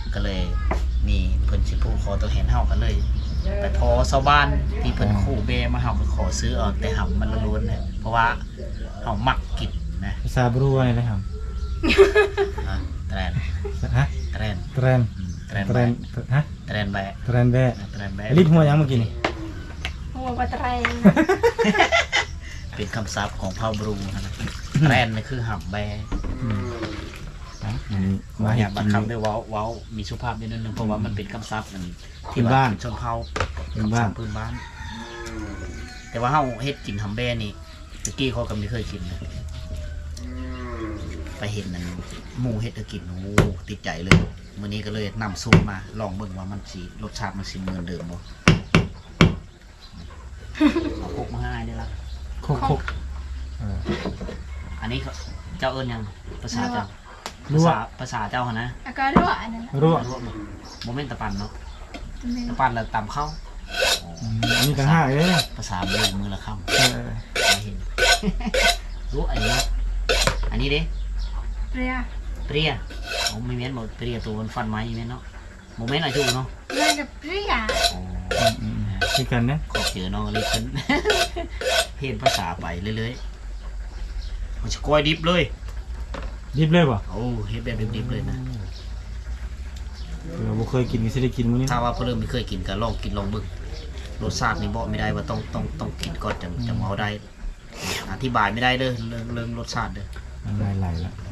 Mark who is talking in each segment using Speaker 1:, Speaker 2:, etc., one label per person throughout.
Speaker 1: ก็เลยมีเพิ่นสิผู้ขอตัวเห็นเฮากันเลยไปพอชาวบ้านที่เพิ่นคู่เบมาเฮาก็ขอซื้อเอาแต่หำมันล้วนๆนะเพราะว่าเฮามักกินนะ
Speaker 2: ภาษาบรูอะไรนะครับ
Speaker 1: แตรน
Speaker 2: ฮะ
Speaker 1: แตรน
Speaker 2: แตรน
Speaker 1: แตรน
Speaker 2: แตร
Speaker 1: แบะ
Speaker 2: นฮะ
Speaker 1: แตรนแบะ
Speaker 2: แตรนแบะ
Speaker 1: แตรนแบะ
Speaker 2: ลิ้นหัวยังเมื่อกี้นี่
Speaker 3: หัวปลาแตรง
Speaker 1: เป็นคำศัพท์ของเผ่าบรูนะแตรนนี่คือหำแบะ
Speaker 2: มา
Speaker 1: มา
Speaker 2: เห็
Speaker 1: อน ยาก
Speaker 2: กิ
Speaker 1: บั
Speaker 2: น
Speaker 1: งคับด้วยเว้ามีสุภาพนิดนึงเพราะว่ามันเป็นคำศัพท์ที่
Speaker 2: พื้นบ้าน
Speaker 1: ชนเผ่า
Speaker 2: พื้นบ้าน
Speaker 1: คำศัพท์พื้นบ้าน แต่ว่าเฮาเฮ็ดกินหำแบะนี่ตะกี้เขาก็ไม่เคยกินนะไปเห็นนั่นหมูเฮ็ดให้กินโอ้ติดใจเลยมื้อนี้ก็เลยนำสูตรมาลองเบิ่งว่ามันสิรสชาติมันสิเหมือนเดิมบ่เอาพกมาให้ได้ละ
Speaker 2: โคกโคก
Speaker 1: อันนี้เขาเจ้าเอิ้นหยังภาษาเจ้า
Speaker 2: รั่ว
Speaker 1: ภาษาเจ้าหั่นนะ
Speaker 3: แล้วก็รั่วอันนั้น
Speaker 2: รั่ว
Speaker 1: รั่วบ่แม่นตะปันเนาะ
Speaker 3: แม่
Speaker 1: ตะปันแล้วตำข้าว
Speaker 2: อันนี้ต่างหากเลย
Speaker 1: ภาษามือละคำ
Speaker 2: เออ
Speaker 1: ไม่เห็น รู้อันนี้อันนี้เด้
Speaker 3: เปรี้ย
Speaker 1: เปรี้ยโอ้ไม่แม่นบ่เปรี้ยตัวมันฟันไม้แม่นเนาะโมเมนต์อะไรจูเนาะ
Speaker 3: เรื่องกับเปรี้ย
Speaker 1: อ๋อ
Speaker 2: คือกันนะ
Speaker 1: ขอบเจอน้องเลยขึ้น เพี้ยนภาษาไปเรื่อยๆมันจะกล้วยดิบเลย
Speaker 2: ดิบเลยป่ะ
Speaker 1: โอ้เฮ็ดแบบดิบๆเลยนะ
Speaker 2: เราบ่เคยกินก็สิได้กินมื้อนี้
Speaker 1: ถ้าว่าเพิ่นไม่เคยกินก็ลองกินลองเบิ่งรสชาตินี่บอกไม่ได้ว่าต้องกินก่อนจะเอาได้อธิบายไม่ได้เด้อเรื่องรสชาติเด้อ
Speaker 2: มันไหลๆแล้ว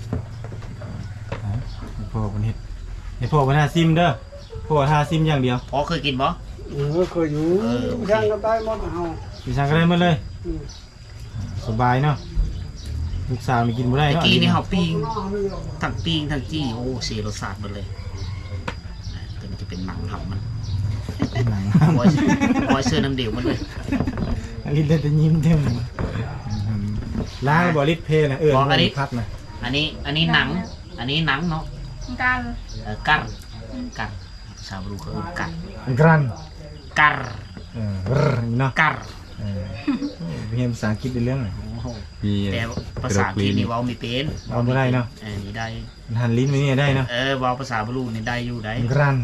Speaker 2: พ่อเพิ่นเฮ็ดให้พ่อเพิ่นหาซิมเด้อพ่อหาซิมอย่างเดียว
Speaker 1: พอเคยกินบ่
Speaker 4: เคยอยู่
Speaker 1: โอเค
Speaker 4: ย่างกันได้หมดเฮา
Speaker 2: สิสั่งก็ได้หมดเลย สบายเนาะลูกสาวนี่กินบ่ได้
Speaker 1: ตะ
Speaker 2: เนาะ
Speaker 1: กี้นี่เฮาปิ้งทั้งปิ้งทั้งจี้โอ้เสียรสชาติหมดเลยตัวนี้จะเป็นหนังหับมัน
Speaker 2: หนัง
Speaker 1: บอยเสื้อน้ำเดียวมันเลย
Speaker 2: ลิ้นได้แต่ยิ้มเต็มล้างบ่ลิดเพลนะพักนะ
Speaker 1: อันนี้หนังอันนี้หนังเนาะ
Speaker 3: กัน
Speaker 1: กัรกัรชาวบรูเขาเรียกกัร
Speaker 2: กรัน
Speaker 1: กัร
Speaker 2: เนาะ
Speaker 1: กัร
Speaker 2: เรียนภาษาอังกฤษได้เรื่องไหน
Speaker 1: แต่ภาษาที่นี่เว้าไม่เป็น
Speaker 2: เอาไม่ได้เนาะ
Speaker 1: นี่ได้
Speaker 2: หันลิ้นไปนี่ได้เนาะ
Speaker 1: เว้าภาษาบรูนี่ได้อยู่ได้
Speaker 2: กรัน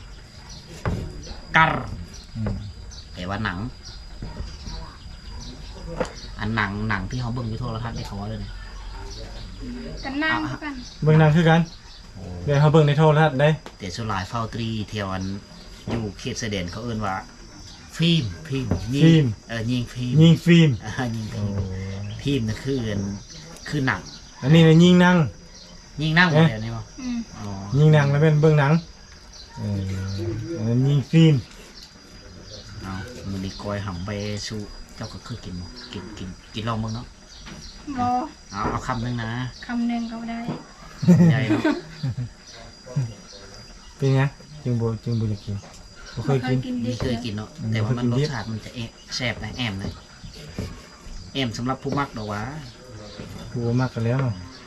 Speaker 1: กัรแต่ว่าหนัง อันหนังที่เขาเบิ่งอยู่โทรทัศน์ที่เขาว่าเลยนะ
Speaker 3: กันนั่งกัน
Speaker 2: เบิ่งนางคือกันเดี๋ยวเขาเบิ่งในโทรทัศน์ได้
Speaker 1: แต่ส่วนหลายเฝ้าตรีเที่ยวอันอยู่เขตเสด็จเขาเอิ้นว่าฟิล์มยิงยิงฟิล์ม
Speaker 2: ยิงฟิล์ม
Speaker 1: ยิงฟิล์มนั่นคือหนัง
Speaker 2: อันนี้เนี่ยยิงนาง
Speaker 1: ยิงนั่งหมดเลยนี่มั้ง
Speaker 2: ยิงนางแล้วเป็นเบิ่งหนังยิงฟิล์ม
Speaker 1: เอามันดีกอยหำไปสู้เจ้าก็คือกินลองมึงเนาะ
Speaker 3: รอ
Speaker 1: เอาคำนึงนะ
Speaker 3: คำหนึ่งก็ได้
Speaker 1: ใหญ่เนาะ
Speaker 2: เป็นไงจึงบ่อยากกินบ่เคยกิน
Speaker 1: นี่เคยกินเนาะแต่ว่ามันรสชาติมันจะแซ่บนะแอมเลยแอมสำหรับผู้มักดอกว่า
Speaker 2: กูมากกันแล้ว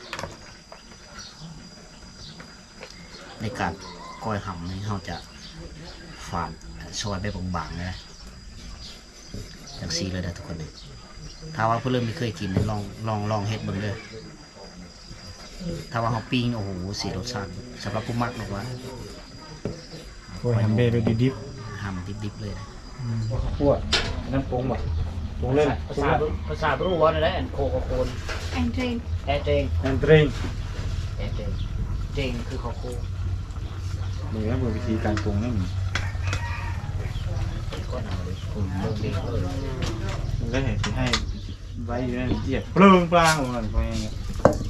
Speaker 1: ในการก้อยหำนี่เขาจะฝานซอยไปบางๆเลยนะอย่างซีเลยนะทุกคนเลยถ้าว่าผู้เริ่มไม่เคยกินเนี่ยลองเฮ็ดเบิ่งเลยถ้าว่าเขาปิ้งโอ้โหสีรสชาติสำหรับผู้มักดอกว่า
Speaker 2: โอ้ยทำเบแบบดิบ
Speaker 1: หำดิบๆเลยนะ
Speaker 2: ๆคั่วน้ำปรุงบ่ปรุงเลย
Speaker 1: ภาษารู้ว่าอะไรโคโคน
Speaker 3: แอนเทรน
Speaker 1: แอเจง
Speaker 2: น้ำเตรง
Speaker 1: แอเจงเจงคือข้าวโค
Speaker 2: นี่ครับวิธีการปรุงนั่น
Speaker 1: ก็นำเลยเบิ่งเองเลย
Speaker 2: มันก็เห็นให้ไว้อยู่นั่นเหยียบเปลืองปลางมันไปอย่างเงี้ย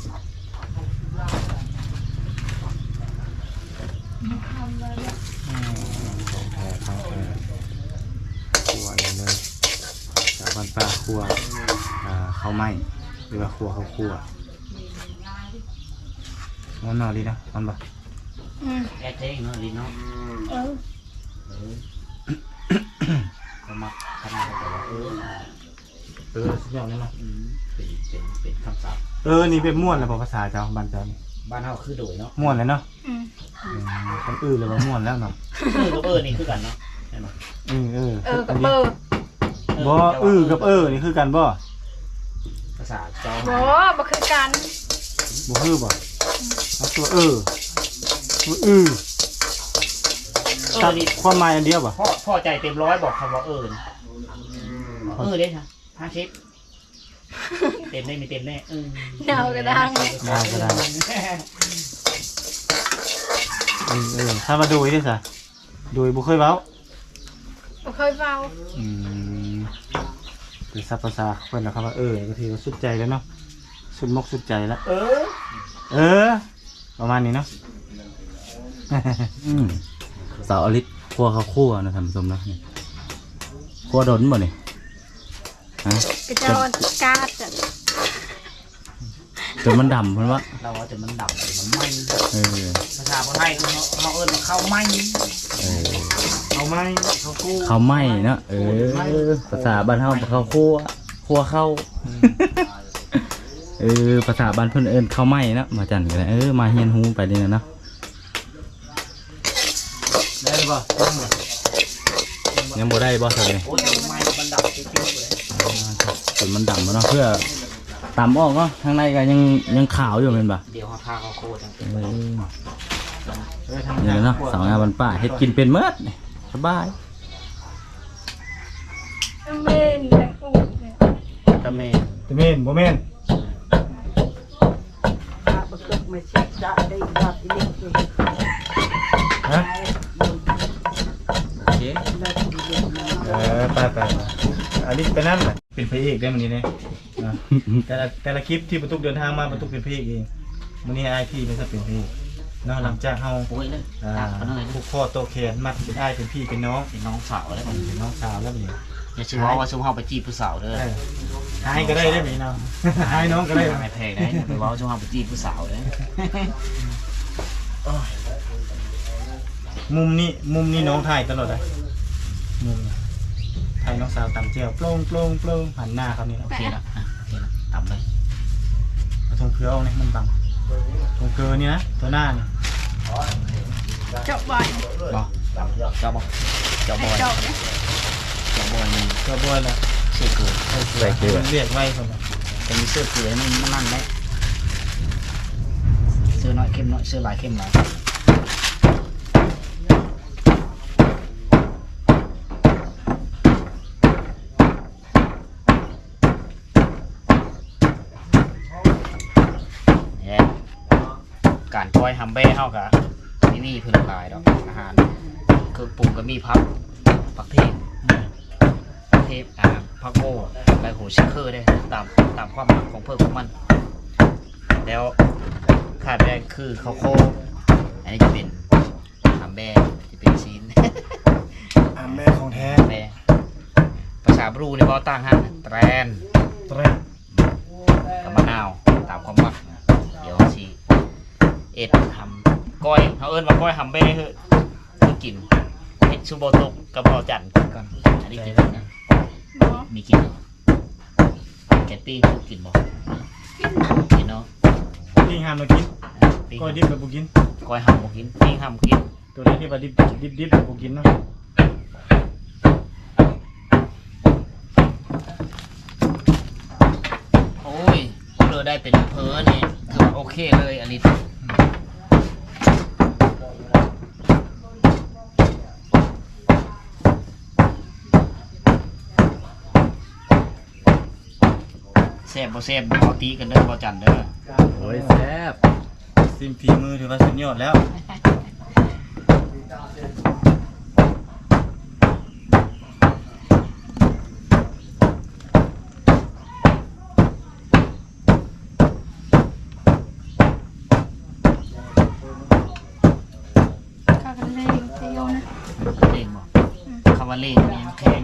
Speaker 2: ของแท้ของแท้คั่วเลยจากบ้านป้าคั่วข้าวไหม้หรือว่าคั่วข้าวคั่วมันนอนดีนะมันบ่
Speaker 1: แอเจงเนาะลินเนาะ ก็มักขนาดแต่ว่า
Speaker 2: สุดยอดเลยเนาะ
Speaker 1: เป็นคำศัพท์
Speaker 2: นี่เป็นม่วนแล้วภาษาเจ้าบ้านเจ้านี่
Speaker 1: บ้านเฮาคือโดยเนาะ
Speaker 2: ม่วนเลยเนาะคนอื่นเลยว่าม่วนแล้วเนาะ
Speaker 1: กับนี่คือกันเนาะใช่ไหม
Speaker 3: กับเบอร์
Speaker 2: บ่กับนี่คือกันบ่
Speaker 1: ภาษาเจ้า
Speaker 3: บ่คือกัน
Speaker 2: บ่คือบ่เอาตัวตัวตัดความหมายอันเดียวบ่
Speaker 1: พ่อใจเต็มร้อยบอกคำว่าเด้ค่ะ50เต็มได้มีเต็มแน่
Speaker 3: เดาก็ดัง
Speaker 2: ถ้ามาดูได้ซะดูบ่เคยเว้า
Speaker 3: บ่เคยเบา
Speaker 2: คือซับภาษาเพิ่นนะครับว่าก็ถือว่าสุดใจแล้วเนาะสุดมกสุดใจแล้วประมาณนี้เนาะ
Speaker 5: สาวอลิศคั่วข้าวคั่วนะท่านผู้ชมนะนี่คั่วดนบ่นี่ฮะ
Speaker 3: กระจอนกาดจ้ะ
Speaker 5: จนมันดำเพิ่นว่า
Speaker 1: เราว่าจะมันดับมันไหม้ ภาษาไทยเขาเอิ้นว่าข้าวไหม้
Speaker 2: เอาไหมเขากู้
Speaker 5: ข้าวไหม้เนาะภาษาบ้านเฮาข้าวคั่วข้าวภาษาบ้านเพิ่นเอิ้นข้าวไหม้เนาะมาจันกันมาเฮียนฮู้ไปนี่เนาะ
Speaker 2: ได้บ่
Speaker 5: ยังบ่ได้บ่ซั่นนี่
Speaker 1: โอ้ยไหม้มันดับจริงๆเลย
Speaker 5: จนมันดำเนาะเพื่อตำออกเนาะข้างในก็ยังขาวอยู่แม่นบ่
Speaker 1: เดี๋ยวเขาทาข้าวโคตร
Speaker 5: นี่เนาะสาวงามบ้านป้าเฮ็ดกินเป็นเมิดนี่สบาย
Speaker 3: เมนแต่กูเนี่ย
Speaker 1: ตะเม
Speaker 2: ตะเม่นบ่แม่นฮะ
Speaker 5: โอเค
Speaker 2: ไปอันนี้ไปนั่นแหละเป็นพระเอกได้มื้อนี้เนี่ยแต่ละคลิปที่ประตูเดินทางมาประตูเป็นพระเอกเองมื้อนี้อ้ายพี่เป็นซะเป็นพระเอกเนาะหลังจากเฮา
Speaker 1: โอ้ยเลยดับกันเลย
Speaker 2: ผูกคอโตแขนมัดเป็นอ้ายเป็นพี่เป็นน้อง
Speaker 1: เป็นน้องสาวแล้วมัน
Speaker 2: เป็นน้องสาวแล้วบัดนี้
Speaker 1: อย่าชื่อว่าชื่อเขาไปจีบผู้สาวเด้อ
Speaker 2: ให้ก็ได้ไหมน้องให้น้องก็ได้
Speaker 1: ไม่แพงนะไปว่าชื่อเขาไปจีบผู้สาวเด้อ
Speaker 2: มุมนี้น้องถ่ายตลอดเลยมุมถ่ายน้องสาวตำเจียวโปร่งหันหน้าครับนี่
Speaker 1: โอเคแล้วต่ำเลย
Speaker 2: ทงเคือเอาเนี่ยมันบังทงเคือนี่นะตัวหน้านี่
Speaker 3: เจาะบ่อย
Speaker 1: บอกเจ้าบอย
Speaker 3: เจาะเนี่ย
Speaker 1: นี่
Speaker 2: ก็บ่อยแล้ว
Speaker 1: เสื้อเกลือ
Speaker 2: เรียกไว้คนละ
Speaker 1: จะมีเสื้อเกลือนี่มันนั่นไหมเสื้อน้อยเข้มน้อยเสื้อลายเข้มลายการก้อยฮัมเบ้เท่ากับนี่เพื่อนหลายดอกอาหารคือปรุงก็มีผักเทศผักโม่ใบโหชิคเคอร์ได้ตามความหมักของเพื่อนของมันแล้วขาดแรกคือข้าวโคอันนี้จะเป็นฮัมเบ้จะเป็นชิ้น
Speaker 2: แม่ของแท้
Speaker 1: แม่ภาษาบรูในบ้าตั้งฮะแตรนกับมะนาวตามความหมักเดี๋ยวชีทำก้อยเขาเอิ้นว่าก้อยฮัมเบ้คือกินเห็ดชูโบตุกกับเบาจันกินก่อนอันนี้กินนะ
Speaker 3: บ่
Speaker 1: มีกินเหรอแกตตี้คือกินบ่กินเนาะ
Speaker 2: ปิ้งห้ามเรากินก้อยดิบแบบบุกิน
Speaker 1: ก้อยฮัมบ่กินปิ้งฮัมกิน
Speaker 2: ตัวนี้ที่ว่าดิบแบบบุกินเนาะ
Speaker 1: โอ้ยเราได้เป็นเพอนี่ถือว่าโอเคเลยอันนี้แซ่บบ่แซ่บเอาตีกันเด้อบ่จันเด้อ
Speaker 5: โอ้ยแซ่บ
Speaker 2: ซิมฝีมือถือว่าสุดยอดแล้ว
Speaker 3: ข้าวกันเลยเจียวนะ
Speaker 1: เล่งบ่คำว่าเล่งนี่แข็ง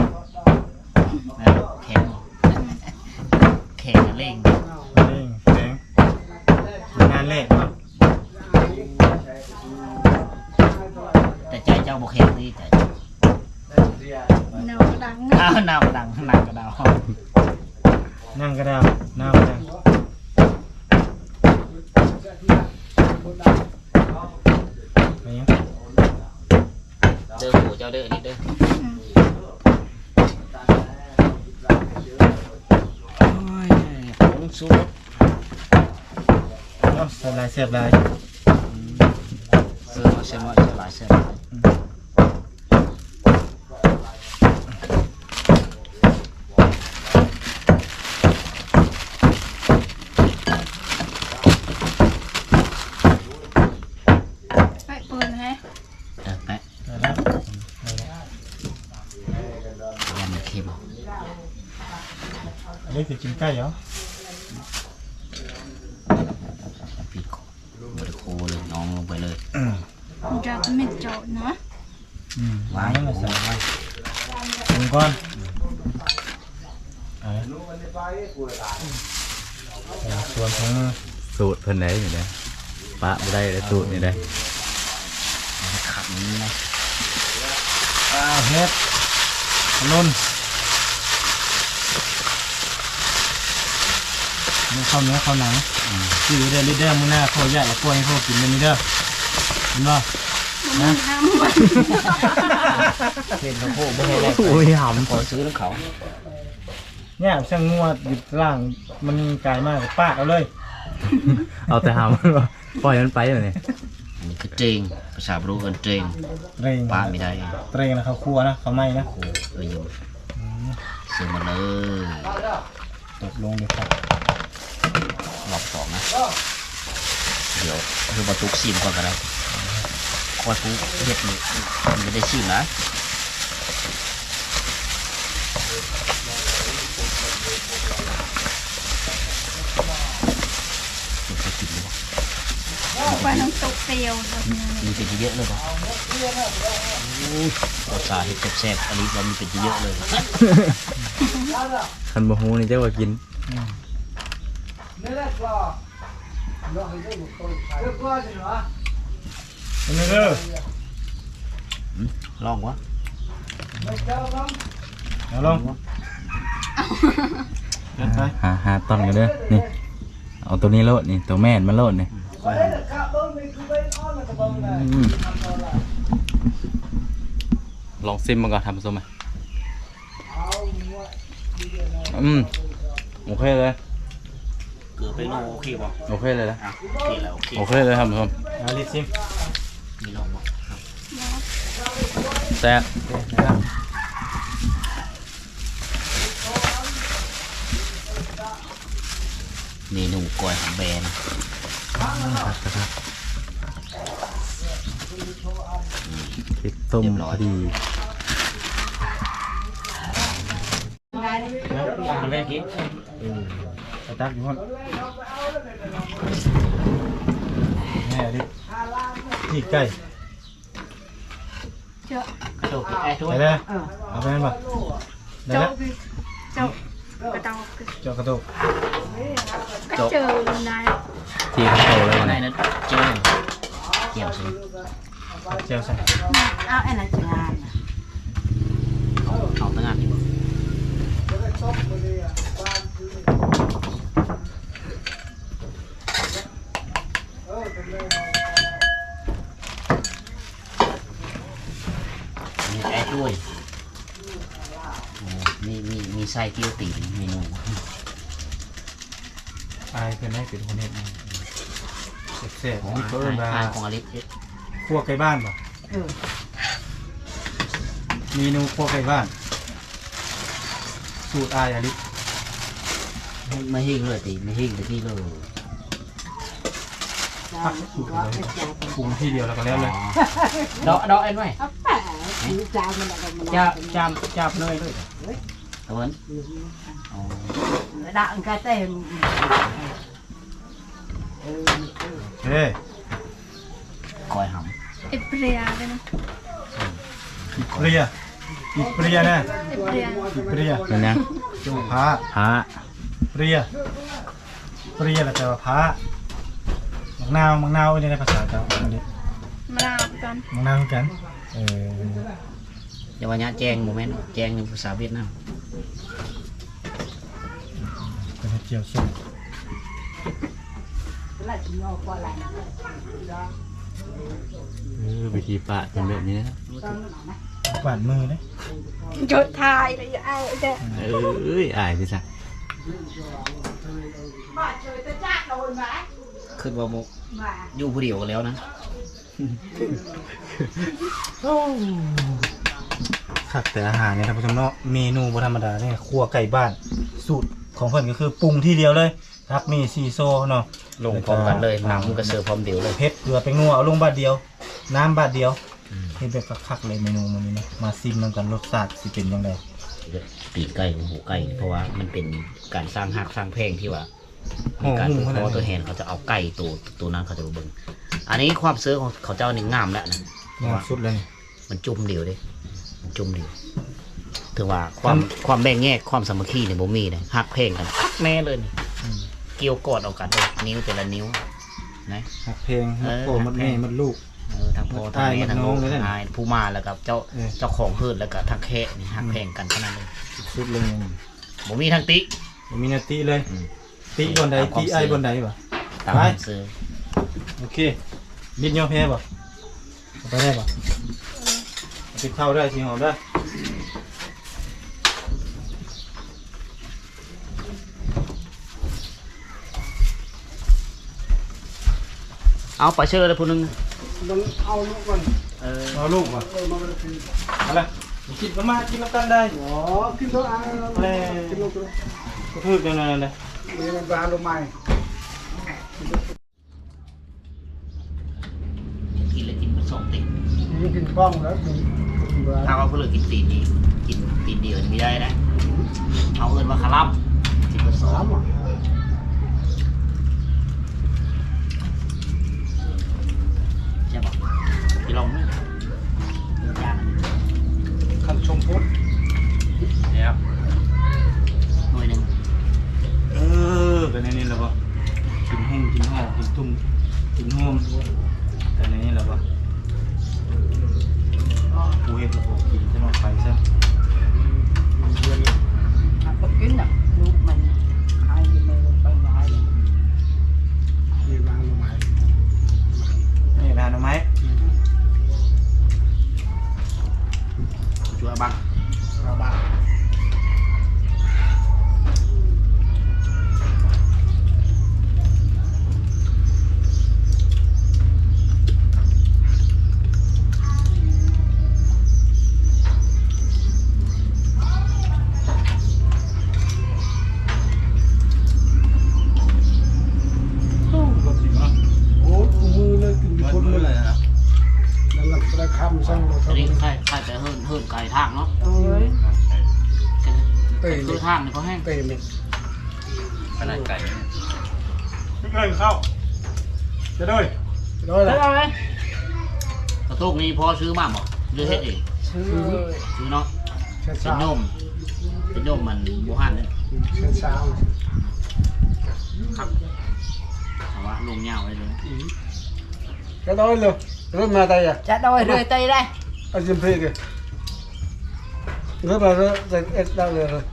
Speaker 1: แข็งแข็งเล่ง
Speaker 2: แข็งงานแรกเนาะ
Speaker 1: แต่ใจเจ้าบ่แข็งนี่ใจ
Speaker 3: เนาดัง
Speaker 1: อ้าวน้ำดังหนักกระดาว
Speaker 2: นั่งกระดาวหน้ามันจังอะไรเงี้ย
Speaker 1: เด้อหูเจ้าเด้อนี่เด้อโอ้ยผงชูรส
Speaker 2: เสียบลาย
Speaker 1: เสื้อหลายเสื้อหลายค็ม
Speaker 2: อันนี้สิกินใกล้เหรอ
Speaker 1: ปีกบริโคเลยน้องลงไปเลย
Speaker 3: จะไม่เจาะนะ
Speaker 2: วางแล้วใส่ไว้ลงก่อนส่วนของมือ
Speaker 5: สูตรเพิ่นได้อยู่เด้ปะบ่ได้เลยสูตรนี่ได้
Speaker 1: ขับนี้นะ
Speaker 2: เฮ็ดนุ่นนี่ข้าวเนื้อข้าวหนังที่อยู่เด้อลิเดอร์มื้อหน้าข้าวใหญ่กับกล้วยให้พวกกินเป็นลิเดอร์เห็นบ่
Speaker 3: มันน้ำมัน
Speaker 1: เห็นเขาโค้ไม่ให้แรก
Speaker 5: โอ้ยหำ
Speaker 1: ขอซื้อแล้วเขา
Speaker 2: เนี่ยช่างงวดหยุดล่างมันกลายมากป้าเอาเลย
Speaker 5: เอาแต่หำปล่อยมันไปเลยนี่
Speaker 1: อันนี้คือเจงภาษาบรูกันเจง
Speaker 2: เตรง
Speaker 1: ป้าไม่ได้
Speaker 2: เตรงนะเขาครัวนะเขาไม่นะ
Speaker 1: โอ้อยู่ซื้อมาเลย
Speaker 2: ตกลงเดี๋ยวครับ
Speaker 1: รอบสองนะเดี๋ยวคือบรรทุกซีมก่อนก็ได้คอยปุ๊บเฮ็ดนี่มันไม่ได้ซีมนะจะกินหรือเปล่า
Speaker 3: ไปน้ำตกเตียวแบบนี้
Speaker 1: มีเป็นเยอะเลยป่ะภาษาเห็ดแซ่บๆอันนี้เรามีเป็นเยอะเลย
Speaker 5: คันบ่ฮู้นี่เจ้าว่ากิน
Speaker 2: เป็นไงเด้อ
Speaker 1: ลองวะ
Speaker 2: เอาลงเดินไป
Speaker 5: หาตอนกันเด้อนี่เอาตัวนี้โลดนี่ตัวแม่นมันโลดนี่ลองซิมมาก่อนทำผสมไหมโอเคเลย
Speaker 1: เกือบไปโลโอเคป่ะ
Speaker 5: โอเคเลยนะ
Speaker 1: โอเคแล้วโอเค
Speaker 5: โอเคเลยครับผม
Speaker 2: เอาลิซิม
Speaker 1: มีลองป่ะ
Speaker 5: แซ่บ
Speaker 1: เมนูกล้อยหอมแบน
Speaker 5: พริกต้มพอดี
Speaker 1: ทำแรกกี้
Speaker 2: ไปตักอยู่ห้องแม่ดิที่ใกล้
Speaker 3: เจาะ
Speaker 1: กระโดดไอ้ช่ว
Speaker 2: ไป
Speaker 1: ย
Speaker 2: ได้เอาไปนั่นป่ะได้
Speaker 3: เจาะ
Speaker 2: แล้ว
Speaker 3: คือเจาะกระเตาคือ
Speaker 2: เจาะกระตุก
Speaker 3: ก็เจอนาย
Speaker 5: ที่เขาโตแล้ววัน
Speaker 1: ได้
Speaker 5: นี้
Speaker 1: นั้นเจียวเจียวสิ
Speaker 2: เจียวใส่
Speaker 3: เอาไอ้นั่นจะงาน
Speaker 1: เอาตั้งงานที่บ่มีไอ้ช่วยมีไส้เกี๊ยวตีนเมนู
Speaker 2: อายเป็นได้เป็นคนเฮ็ดนะเสร็จ
Speaker 1: ของ
Speaker 2: นี่
Speaker 1: อา
Speaker 2: เขาเอิ้นว่า
Speaker 1: หารของอลิส
Speaker 2: ครัวไก่บ้านป่ะเมนูครัวไก่บ้าน สูตรอายอลิ
Speaker 1: ไม่หิ้งเลยตีไม่หิ้งแต่ที่เลย
Speaker 2: พักสูตรเลยปรุงที่เดียวแล้วก็แล้วเลย
Speaker 1: ดอกเอ็นไว้จับเลยด้วยตะวัน
Speaker 6: đặng cái tên
Speaker 2: เฮ้ย
Speaker 1: คอยห
Speaker 3: เอเปรียเลยนะ
Speaker 2: อีเปรียอีเปรียนะ
Speaker 3: เอเปรีย
Speaker 2: อีเปรีย
Speaker 5: เป็นยัง
Speaker 2: จูพา
Speaker 5: ฮะ
Speaker 2: เปรียเปรียแล้วแต่ว่าพามังนาวนี่ในภาษาเจ้าอันนี้
Speaker 3: มะนาวกัน
Speaker 2: มังนาวคือกัน
Speaker 1: ำอย่าว่าญาแจงโมเมนต์แจงในภาษาเวียดนาม
Speaker 2: เป็นเจียวส้ม
Speaker 5: วิธีปะเป็นแบบนี้นะ
Speaker 2: กวาดมือเลย
Speaker 3: โจทย์ทายเลยไอ้เด็ก
Speaker 5: เอ้ยอายสิจ้ะ
Speaker 1: ขึ้นว่าโมอยู่ผู้เดียวกันแล้วนะ
Speaker 2: คักแต่อาหารเนี่ยท่านผู้ชมเนาะเมนูบ่ธรรมดาเนี่ยครัวไก่บ้าน สูตรของเพิ่นก็คือปรุงที่เดียวเลยทักมีซีโซเนาะ
Speaker 1: ลงพร้อมกันเลยน้ำก็เสิร์ฟพร้อมเดียวเลย
Speaker 2: เผ็ดเกลือเป็นนัวเอาลงบาทเดียว น้ำบาทเดียวเฮ็ดแบบคักๆเลยเมนูมื้อนี้นะมาซิมนำกันรสชาติสิเป็นจังได
Speaker 1: ตีนไก่ของหูไก่เพราะว่ามันเป็นการสร้างหักสร้างแพงที่ว่า
Speaker 2: ห่อ
Speaker 1: การ
Speaker 2: หุ้ม
Speaker 1: ผูก
Speaker 2: ข
Speaker 1: ค
Speaker 2: นาด
Speaker 1: อ
Speaker 2: นี้
Speaker 1: ตัวแหนเขาจะเอาไก่ตัวนั้นเขาจะมาเบิ่งอันนี้ความเสื้อของเขาเจ้านี่งามแล้วนะเพราะ
Speaker 2: งาม
Speaker 1: ว่า
Speaker 2: สุดเลย
Speaker 1: มันจุ่มเดียวเด้มันจุ่มเดียวถือว่าความแบ่งแยกความสามัคคีเนี่ยบ่มีเลยหักแพงกันคักแน่เลยนี่เกี่ยวกอดเอากันเลยนิ้วแต่ละนิ้วนะ
Speaker 2: หักเพลงหักโผล่มันแม่มันลูก
Speaker 1: ทั้งพ่อทั้ง
Speaker 2: อ้าย
Speaker 1: แม่
Speaker 2: มัน
Speaker 1: ทั้ง
Speaker 2: น้
Speaker 1: ลู
Speaker 2: อง
Speaker 1: ก
Speaker 2: เลยนะ
Speaker 1: ทั้งอายผู้มาแล้วกับเจ้า
Speaker 2: เออ
Speaker 1: เจ้าของพืชแล้วก็ทั้งแค่นี่หักแพงกันขนาดนั้นเลย
Speaker 2: สุดเลย
Speaker 1: บ่มีทั้งติ
Speaker 2: บ่มีนาทีเลย
Speaker 1: อืม
Speaker 2: ตีบนใดตีไอ้บนใดวะ
Speaker 1: ตาม
Speaker 2: ไป
Speaker 1: ความซื้อ
Speaker 2: โอเคบิดยอมแพ้ป่ะเอาไปได้ป่ะเอาไปเข้าได้สิหอมได้
Speaker 1: เอาไปเชื่อเลยผู้หนึง
Speaker 4: มันเอาลูกมัน
Speaker 2: เอาลูกป่ะ
Speaker 4: มาเลยกิน
Speaker 2: อะไรกินก็มากินน้ำกันได้
Speaker 4: อ๋อกินตัวอ่ะกินลูกตัว
Speaker 2: ก็ทึกยังไงเลย
Speaker 4: นี่มันปลาลูกไม้
Speaker 1: กินเลยกินมันสองติด
Speaker 4: นี่กินกล้องแล้วกินปลา
Speaker 1: ถ้าว่าผู้เหลือกินตีนนี้กินตีนเดียวนี่ไม่ได้นะเอาเอินว่าคาร่ำกินมันสอ
Speaker 4: สาง มอ่ะ
Speaker 1: ใช่ปะพี่ลองไหมยาก
Speaker 2: คันชมพุทธ
Speaker 1: เนี่ยครับหน่วยหนึ่ง
Speaker 2: เป็นในนี้แล้วป่ะกินหุ่มกินห่อกินตุ่มกินห่มแต่ในนี้แล้วป่ะกูเห็นแล้วป่ะกินจะมาไปซะ
Speaker 3: ก็กินอ่ะลูกมันหายไปไปหาย
Speaker 4: นี่ปลาลูกไม้
Speaker 2: นี่ร้านเอาไหม
Speaker 1: ช่วยบ้าง
Speaker 4: ปลาบ้า
Speaker 2: รถสิเนาะ
Speaker 4: โอ้มือเลยกินคนเลยนั่นแหละได้คำสั่งเรา
Speaker 1: อันนี้
Speaker 4: ทำ
Speaker 1: ใครแต่เฮิร์นไก่ทางเนาะ
Speaker 3: เอ้ย
Speaker 1: คือทางเนี่ยเขาแห้ง
Speaker 4: เตะเลย
Speaker 1: ขนาดไก่
Speaker 2: ไม่เคยเข้าจะด้วย
Speaker 4: ร้อย
Speaker 3: แล้
Speaker 4: ละ
Speaker 3: วเอาไหม
Speaker 1: กระตุกนี้พอซื้อมาบ่หรือเฮ็ดเอง
Speaker 3: ซื้อ
Speaker 1: ซื้อเนาะ
Speaker 4: เช้า
Speaker 1: เป็น
Speaker 4: เช้า
Speaker 1: โยมเป็นโยมมันบูฮันเนี่ย
Speaker 4: เช้า
Speaker 1: ครับแต่ว่าลงเงาไว้เลย
Speaker 4: cái đó luôn rất mà tay à
Speaker 3: จะโดยเรื่อยใจได้
Speaker 4: anh chim phi kìa rất là rất đâu rồi